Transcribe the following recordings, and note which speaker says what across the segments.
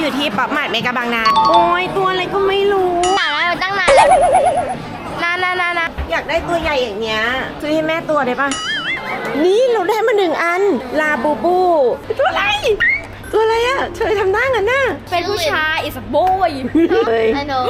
Speaker 1: อยู่ที่ป๊อปมาร์ทเมกะบางนาโอ้ยตัวอะไรก็ไม่รู้
Speaker 2: อยากได้มาตั้งนานแล้วนาน
Speaker 1: อยากได้ตัวใหญ่อย่างเงี้ยซื้อให้แม่ตัวได้ปะนี่เราได้มา1 อันลาบูบูตัวอะไรอ่ะเธอทำหน้างั้นน่ะ
Speaker 2: เป็นผู้ชาย is a boy
Speaker 1: ไอ้หนู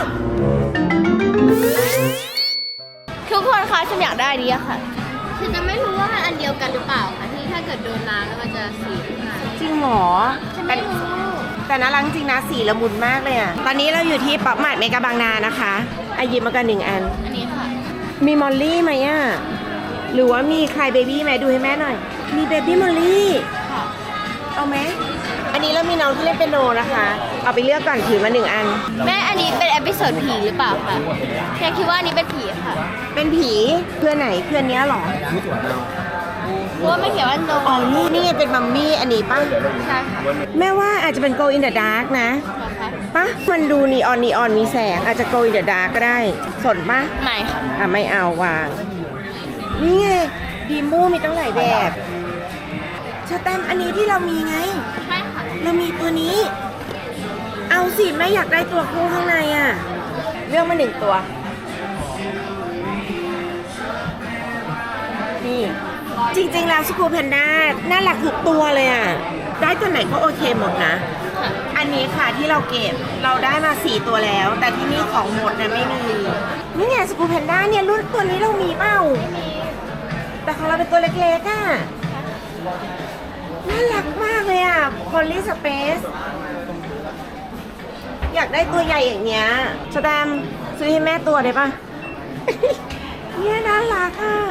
Speaker 2: ทุกคนคะฉันอยากได้ดีอะค่ะฉันจะไม่รู้ว่ามันอันเดียวกันหรือเปล่าค่ะที่ถ้าเกิดโดนน้ำแล้วมันจะสีขึ้นมา
Speaker 1: จริงหรอแต่น่ารักจริงนะสีละมุนมากเลยอ่ะตอนนี้เราอยู่ที่ป๊อปมาร์ทเมกะบางนานะคะอายิบมากัน1 อัน
Speaker 2: อันนี้ค่ะ
Speaker 1: มีมอลลี่ไหมอ่ะหรือว่ามีใครเบบี้ไหมดูให้แม่หน่อยมีเบบี้มอลลี่
Speaker 2: ค่ะ
Speaker 1: เอาไหมอันนี้เรามีน้องที่เล่นเปียโนนะคะเอาไปเลือกก่อนถือมา1 อัน
Speaker 2: แม่อันนี้เป็นเอพิโซดผีหรือเปล่าคะแค่คิดว่าอันนี้เป็นผีค่ะ
Speaker 1: เป็นผีเพื่อนไหนเพื่อนเนี้ยหรอ
Speaker 2: เพราะว่าไม่เขียนว่าโน
Speaker 1: อ๋อนี่เป็นมัมมี่อันนี้ป่ะ
Speaker 2: ใช่ค่ะ
Speaker 1: แม่ว่าอาจจะเป็น Go in the Dark นะป่ะมันดูนีออนมีแสงอาจจะ Go in the Dark ก็ได้สนป่ะ
Speaker 2: ไม่ค่ะ
Speaker 1: ไม่เอาวางนี่ไงดีมูมีตั้งหลายแบบชาแตมอันนี้ที่เรามีไง
Speaker 2: ใช่ค่ะ
Speaker 1: เรามีตัวนี้เอาสิแม่อยากได้ตัวคู่ข้างในอ่ะเลือกมา1 ตัวนี่จริงๆแล้วสกูแพนด้าน่ารักทุกตัวเลยอ่ะได้ตัวไหนก็โอเคหมดนะอันนี้ค่ะที่เราเก็บเราได้มา4 ตัวแล้วแต่ที่นี่ของหมดนะไม่มีนี่ไงสกูแพนด้าเนี่ยรุ่นตัวนี้เรามีเปล่าแต่ของเราเป็นตัวเล็กๆอ่ะน่ารักมากเลยอ่ะพอลลี่สเปซอยากได้ตัวใหญ่อย่างเงี้ยสแตมซื้อให้แม่ตัวได้ปะ เนี่ยน่ารักอ่ะ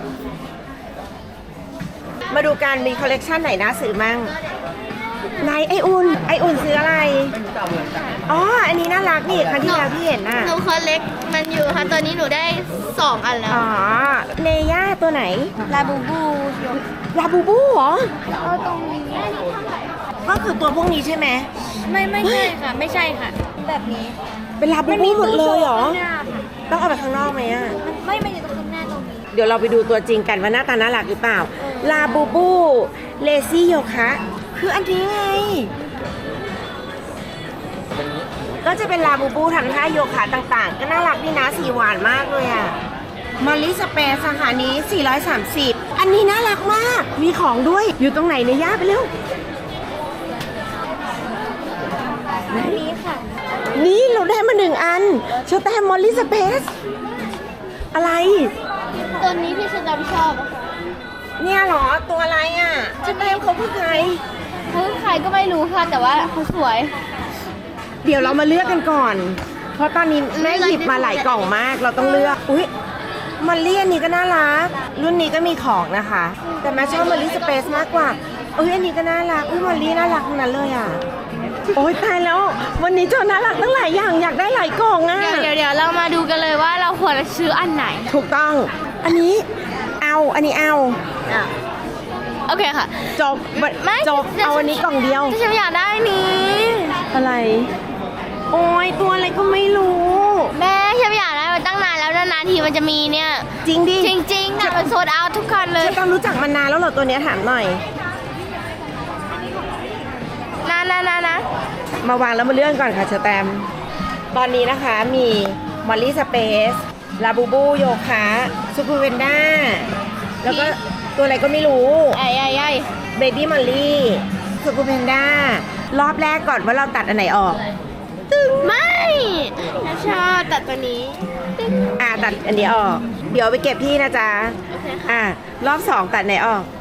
Speaker 1: มาดูกันมีคอลเลกชันไหนน่าซื้อมั่งไหนไออุ่นซื้ออะไรอ๋ออันนี้น่ารักนี่ครั้งที่แล้วพี่เห็นน่ะ
Speaker 2: หนูคอเล็กมันอยู่ค่ะตอนนี้หนูได้2 อันแล้ว
Speaker 1: อ๋อเนย่าตัวไหน
Speaker 2: ลาบูบู
Speaker 1: เหรอ
Speaker 2: เอาตรงนี้
Speaker 1: ก็คือตัวพวกนี้ใช่ไหม
Speaker 2: ไม่ใช่ค่ะไม่ใช่ค่ะแบบนี้
Speaker 1: เป็นลาบูบูหมดเลยเหรอต้องเอาไปข้างนอกไหมอ่ะ
Speaker 2: ไม่อยู่ตรงข้างหน้าตรงนี้
Speaker 1: เดี๋ยวเราไปดูตัวจริงกันว่าหน้าตาน่ารักหรือเปล่าลาบูบูเลซี่โยคะคืออันนี้ไงก็จะเป็นลาบูบูทำท่าโยคะต่างๆก็น่ารักดีนะสีหวานมากเลยอ่ะมอลลี่สเปซสาขานี้430อันนี้น่ารักมากมีของด้วยอยู่ตรงไหนเนี่ยย่าไปเร็ว
Speaker 2: นี้ค่ะ
Speaker 1: นี่เราได้มา1 อันชอแตมมอลลี่สเปซอะไร
Speaker 2: ตัวนี้ที่ฉันชอบ
Speaker 1: เนี่ยเหรอตัวอะไรอ่ะชอแตมเขาคือใคร
Speaker 2: ก็ไม่รู้ค่ะแต่ว่าเขาสวย
Speaker 1: เดี๋ยวเรามาเลือกกันก่อนเพราะตอนนี้แม่หยิบมาหลายกล่องมากเราต้องเลือกอุ๊ยมอลลี่อันนี้ก็น่ารักรุ่นนี้ก็มีของนะคะแต่แม่ชอบมอลลี่สเปซมากกว่าอันนี้ก็น่ารักมอลลี่น่ารักทั้งนั้นเลยอ่ะโอ๊ยตายแล้ววันนี้เจ้าน่ารักตั้งหลายอย่างอยากได้หลายกล่องอ่ะ
Speaker 2: เดี๋ยวเรามาดูกันเลยว่าเราควรซื้ออันไหน
Speaker 1: ถูกต้องอันนี้อันนี้
Speaker 2: โอเคค่ะ
Speaker 1: จบเอาอันนี้กล่องเดียว
Speaker 2: ฉันอยากได้นี้
Speaker 1: อะไรโอ้ยตัวอะไรก็ไม่รู้
Speaker 2: แม่ฉันอยากได้มาตั้งนานแล้วนานทีมันจะมีเนี่ย
Speaker 1: จริงดิ
Speaker 2: จริงค่ะมันโซลด์เอาท์ทุกคันเลย
Speaker 1: ฉันรู้จักมันนานแล้วเหรอตัวนี้ถามหน่อย
Speaker 2: นะ
Speaker 1: มาวางแล้วมาเลื่อนก่อนค่ะเชอแตมตอนนี้นะคะมีมอลลี่สเปซลาบูบูโยคะซูคูเวนด้าแล้วก็ตัวอะไรก็ไม่รู้เบบี้มอลลี่ซูคูเวนด้ารอบแรกก่อนว่าเราตัดอันไหนออก
Speaker 2: ไม่ชอบตัดตัวนี้
Speaker 1: ตัดอันนี้ออกเดี๋ยวไปเก็บที่นะจ๊ะรอบ2ตัดไหนออก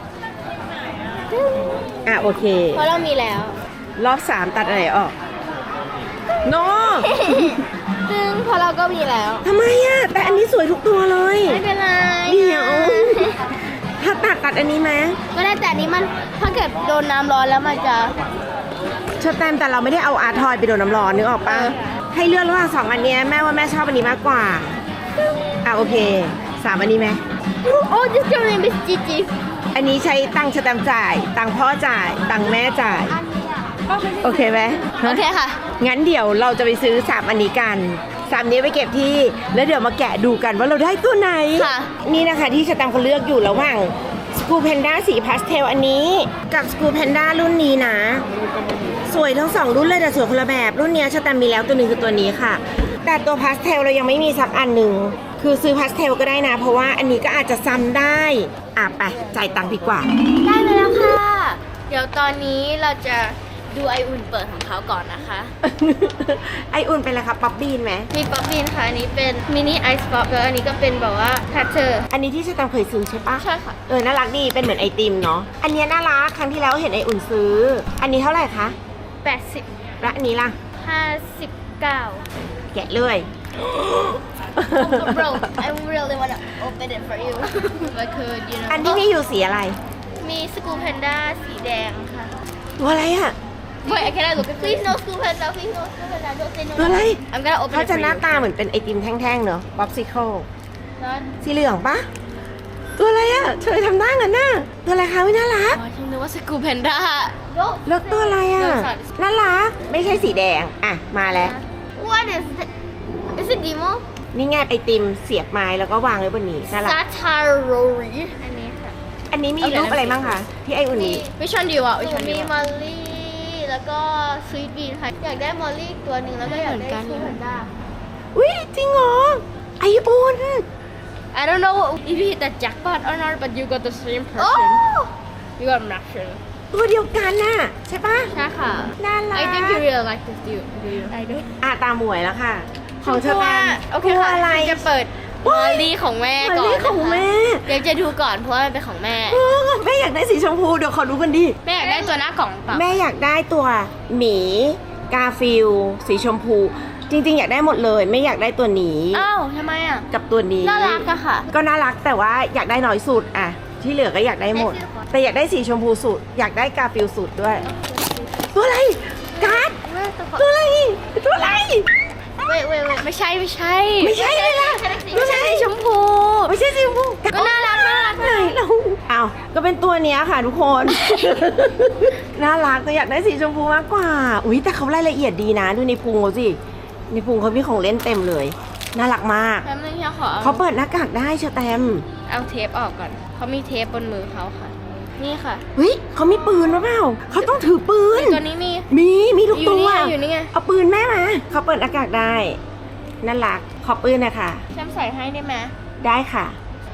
Speaker 1: โอเค
Speaker 2: เพราะเรามีแล้ว
Speaker 1: รอบ3ตัดอะไรออกโน
Speaker 2: ซึ่งพอเราก็มีแล้ว
Speaker 1: ทำไมแต่อันนี้สวยทุกตัวเลย
Speaker 2: ไม่เป็นไร
Speaker 1: เดี๋ยวถ้าตัดอันนี้ไหม
Speaker 2: ก็ได้แต่อันนี้มันถ้าเกิดโดนน้ำร้อนแล้วมันจะ
Speaker 1: ชอบแต่เราไม่ได้เอาอาร์ทอยไปโดนน้ำร้อนนึกออกปะให้เลือกระหว่าง2 อันนี้แม่ว่าแม่ชอบอันนี้มากกว่าโอเค3 อันนี้ไหม
Speaker 2: โอ้จะเจอในบิสจิจิ
Speaker 1: อันนี้ใช้ตังค์ชะแตมจ่ายตังค์พ่อจ่ายตังค์แม่จ่ายโอเคไหม
Speaker 2: โอเคค่ะ
Speaker 1: งั้นเดี๋ยวเราจะไปซื้อ3 อันนี้กัน3 นี้ไปเก็บที่แล้วเดี๋ยวมาแกะดูกันว่าเราได้ตัวไหนนี่นะคะที่ชะแตมเขาเลือกอยู่ระหว่างสกูแพนด้าสีพาสเทลอันนี้กับสกูแพนด้ารุ่นนี้นะสวยทั้งสองรุ่นเลยแต่สวยคนละแบบรุ่นเนี้ยชาแตมมีแล้วตัวหนึ่งคือตัวนี้ค่ะ แต่ตัวพาสเทลเรายังไม่มีสักอันหนึ่งคือซื้อพาสเทลก็ได้นะ เพราะว่าอันนี้ก็อาจจะซ้ำได้ไปจ่ายตังค์ดีกว่า
Speaker 2: ได้มาแล้วค่ะ เดี๋ยวตอนนี้เราจะดูไออุ่นเปิดของเขาก่อนนะคะ
Speaker 1: ไออุ่นเป็นอะไรครับป๊อปบีนไหม
Speaker 2: มีป๊อปปี้ค่ะอันนี้เป็นมินิไอซ์ป๊อปแล้วอันนี้ก็เป็นแบบว่าแพทเทอร์
Speaker 1: อันนี้ที่ชาแตมเคยซื้อใช่ปะ
Speaker 2: ใช่ค่ะ
Speaker 1: น่ารักดีเป็นเหมือนไอติมเนาะอันเนี้ยน่ารักครั้งที่แล้วเห็นไออุ่นซื้อ อันนี้เท่าไหร่คะ
Speaker 2: 80
Speaker 1: และอันนี้ล่ะ
Speaker 2: 59
Speaker 1: แกะเลย
Speaker 2: Bro I really wanna open it for you if I could you know
Speaker 1: อันที่มีอยู่สีอะไร
Speaker 2: มีสกูแพนด้าสีแดงค่ะ
Speaker 1: ตัวอะไรอ่ะ
Speaker 2: Wait I cannot look at please no school panda please no school panda don't say no
Speaker 1: ตัวอะไร
Speaker 2: I'm gonna open
Speaker 1: เขา
Speaker 2: it
Speaker 1: จะ
Speaker 2: for
Speaker 1: หน้า
Speaker 2: you
Speaker 1: ตาเหมือนเป็นไอติมแท่งๆเนาะป๊อปซิเคิล
Speaker 2: Not
Speaker 1: สีเหลืองปะตัวอะไรอ่ะเธอทำหน้ากันน่ะตัวอะไรคะวิน่ารัก
Speaker 2: อ๋อฉันนึกว่าสกูแพนด้า
Speaker 1: แล้วตัวอะไรอ่ะ น่ารัก ไม่ใช่สีแดง มาแล้ว
Speaker 2: What is it Is it Demo
Speaker 1: นี่ไงไอติมเสียบไม้แล้วก็วางไว้บนนี้ น่ารัก
Speaker 2: Satarori อันนี้ค่ะ
Speaker 1: อันนี้มีรูปอะไรบ้างคะที่ไออุ่นนี้
Speaker 2: Which one do you want Which one มีมอลลี่แล้วก็สวีทบีนค่ะอยากได้มอลลี่ตัวหนึ่งแล้วก็อยากได้สกูแพนด้า
Speaker 1: อุ้ยจริงเหรอ ไออุ่น
Speaker 2: I don't know if you hit the jackpot or not, but you got the same person. Oh! You got an action.
Speaker 1: ตัวเดียวกันน่ะ ใช่ปะ
Speaker 2: ใช่ค่ะ
Speaker 1: น่ารัก
Speaker 2: I think you really like this, do you? I do.
Speaker 1: ตามหมวยแล้วค่ะ ของเธอ
Speaker 2: ว่า
Speaker 1: แม่
Speaker 2: โอเค
Speaker 1: ตัว
Speaker 2: ค่ะ
Speaker 1: อะไร
Speaker 2: จะเปิดมอลลี่ของแม่ก่อน
Speaker 1: มอลลี่ของแม่
Speaker 2: เดี๋ยวจะดูก่อนเพราะว่ามันเป็นของแม่
Speaker 1: แม่อยากได้สีชมพูเดี๋ยวขอดูกันดิ
Speaker 2: แม่อยากได้ตัวหน้ากล่องเปล่า
Speaker 1: แม่อยากได้ตัวหมีกาฟิลสีชมพู จริงๆ อยากได้หมดเลย ไม่อยากได้ตัวนี้
Speaker 2: อ้าวทำไมอ่ะ
Speaker 1: กับตัวนี้
Speaker 2: น่ารักอะค่ะ
Speaker 1: ก็น่ารักแต่ว่าอยากได้น้อยสุดที่เหลือก็อยากได้หมด แต่อยากได้สีชมพูสุด อยากได้กาฟิลสุดด้วย ตัวอะไรการ์ด
Speaker 2: แม่ตัวขอ
Speaker 1: ตัวอะไรตัวอะไร
Speaker 2: wait ไม่ใช่
Speaker 1: ไม่ใช่เลยล่ะ
Speaker 2: ไม่ใช่สีชมพู
Speaker 1: ไม่ใช่สีชมพู
Speaker 2: ก็น่ารัก
Speaker 1: ไหนเราอ้าวก็เป็นตัวเนี้ยค่ะทุกคน น่ารักแต่อยากได้สีชมพูมากกว่าอุ้ยแต่เขารายละเอียดดีนะดูในพุงเขาสิในพุงเขามีของเล่นเต็มเลยน่ารักมาก
Speaker 2: แป๊บนึงค่ะขอ
Speaker 1: เขาเปิดหน้ากากได้เชอแตม
Speaker 2: เอาเทปออกก่อนเขามีเทปบนมือเขาค่ะ นี่ค่ะ
Speaker 1: เฮ้ยเขามีปืนหรือเปล่าเขาต้องถือปืน
Speaker 2: ตัวนี้มี
Speaker 1: มีทุกตัว
Speaker 2: อยู่นี่ไง
Speaker 1: เอาปืนแม่มาเขาเปิดหน้ากากได้น่ารักขอปืนนะคะ
Speaker 2: ฉันใส่ให้ได้ไหม
Speaker 1: ได้ค่ะ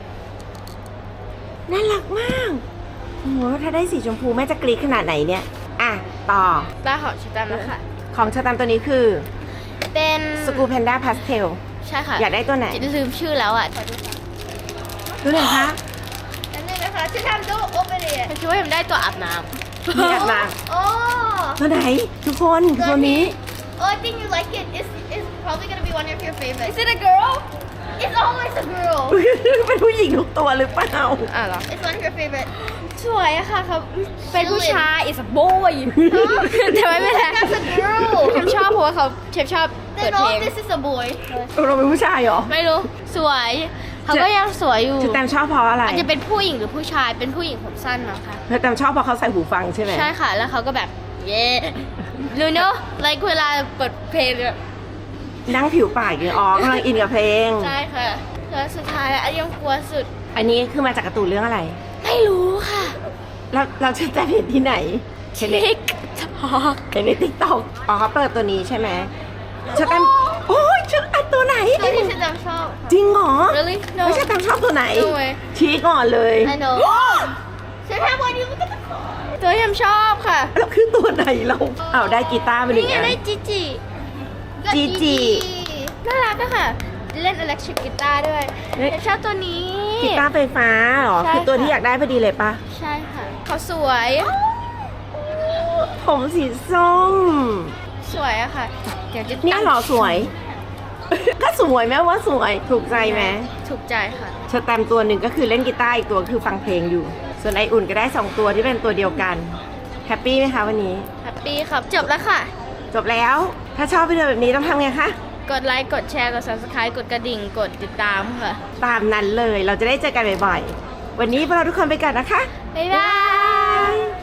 Speaker 1: น่ารักมากโอ้โหถ้าได้สีชมพูแม่จะกรี๊ดขนาดไหนเนี่ยต่อ
Speaker 2: ตาหอมชิตันแล้วค่ะ
Speaker 1: ของชาตามตัวนี้คือ
Speaker 2: เป็น
Speaker 1: สกูแพนด้าพาสเทล
Speaker 2: ใช่ค่ะ
Speaker 1: อยากได้ตัวไหน
Speaker 2: ลืมชื่อแล้วอ่ะ
Speaker 1: ดูหน่อยคะ
Speaker 2: อันนี้นะคะฉันทำดูโอเปเร่ฉันคิดว่าฉันได้ตัวอาบน้ำ
Speaker 1: นี่อาบน้
Speaker 2: โอ้
Speaker 1: ตัวไหนทุกคนตัวนี้
Speaker 2: Oh, I think you like it. It's probably gonna be one of your favorites. Is it a girl? It's always a girl.
Speaker 1: เป็นผู้หญิงทุกตัวหรือเปล่า
Speaker 2: เหรอ It's one of your favorite. สวยอะค่ะเขาเป็นผู้ชาย It's a boy แต่ไม่เป็นไร That's a girl ฉันชอบเพราะว่าเขาชอบเปิดเพลง This is a boy
Speaker 1: เราเป็นผู้ชายเหรอ
Speaker 2: ไม่รู้ สวย เขาก็ยังสวยอยู่
Speaker 1: ชาตามชอบเพราะอะไร
Speaker 2: อาจจะเป็นผู้หญิงหรือผู้ชาย เป็นผู้หญิงผมสั้นมั้งคะ
Speaker 1: ชาตามชอบเพราะเขาใส่หูฟังใช่ไหม
Speaker 2: ใช่ค่ะ แล้วเขาก็แบบ เย้รู้เนอะ like เวลาเปิดเพลงแบบ
Speaker 1: นั่งผิวปากอย่างกำลังอินกับเพลง
Speaker 2: ใช่ค่ะ แล้วสุดท้ายอันยังกลัวสุด
Speaker 1: อันนี้คือมาจากการ์ตูนเรื่องอะไร
Speaker 2: ไม่รู้ค่ะ
Speaker 1: แล้วเราจะเห็นที่ไหนเห็นใน
Speaker 2: ทิกทอก
Speaker 1: เห็นในติ๊กต็อกเขาเปิดตัวนี้ใช่ไหมชาแตมโอ้ยชุดอันตัวไหน
Speaker 2: ตัวที่ฉันจำชอบ
Speaker 1: จริงเหรอ
Speaker 2: Really? No.
Speaker 1: ไม่ใช่แตมชอบตัวไหน
Speaker 2: No way.
Speaker 1: ชี้ก่อนเลย
Speaker 2: I know ฉันทำวันนี้มันก็ตัวที่ฉันชอบค่ะ
Speaker 1: แล้วคือตัวไหนเราเอาได้กีตาร์ไปหนึ่
Speaker 2: นี่
Speaker 1: ง
Speaker 2: ไง
Speaker 1: อัน
Speaker 2: ได้จีจี
Speaker 1: จีจี
Speaker 2: น่ารักอะค่ะ เล่นอิเล็กทริกกีตาร์ด้วย
Speaker 1: เฮ้ย
Speaker 2: ฉันชอบตัวนี้
Speaker 1: กีตาร์ไฟฟ้าเหรอ
Speaker 2: ใช่
Speaker 1: คือตัว
Speaker 2: ค่ะ
Speaker 1: ที่อยากได้พอดีเลยปะ
Speaker 2: ใช่ค่ะ เขาสวย
Speaker 1: ผมสีส้ม
Speaker 2: สวยอะค่ะ เดี๋ยวจะ
Speaker 1: เนี่ยเหรอสวย ก็สวยแม้ว่าสวยถูกใจไหม
Speaker 2: ถูกใจค่ะ
Speaker 1: ชาแตมตัวหนึ่งก็คือเล่นกีตาร์อีกตัวคือฟังเพลงอยู่ ส่วนไออุ่นก็ได้2ตัวที่เป็นตัวเดียวกันแฮปปี้ไหมคะวันนี้
Speaker 2: แฮปปี้ครับ จบแล้วค่ะ
Speaker 1: จบแล้ว ถ้าชอบวิดีโอแบบนี้ต้องทำไงคะ
Speaker 2: กดไลค์ กดแชร์ กด subscribe กดกระดิ่ง กดติดตามค่ะ
Speaker 1: ตามนั้นเลยเราจะได้เจอกันบ่อยๆ วันนี้พวกเราทุกคนไปก่อนนะคะ
Speaker 2: บ๊ายบาย
Speaker 1: บ๊ายบาย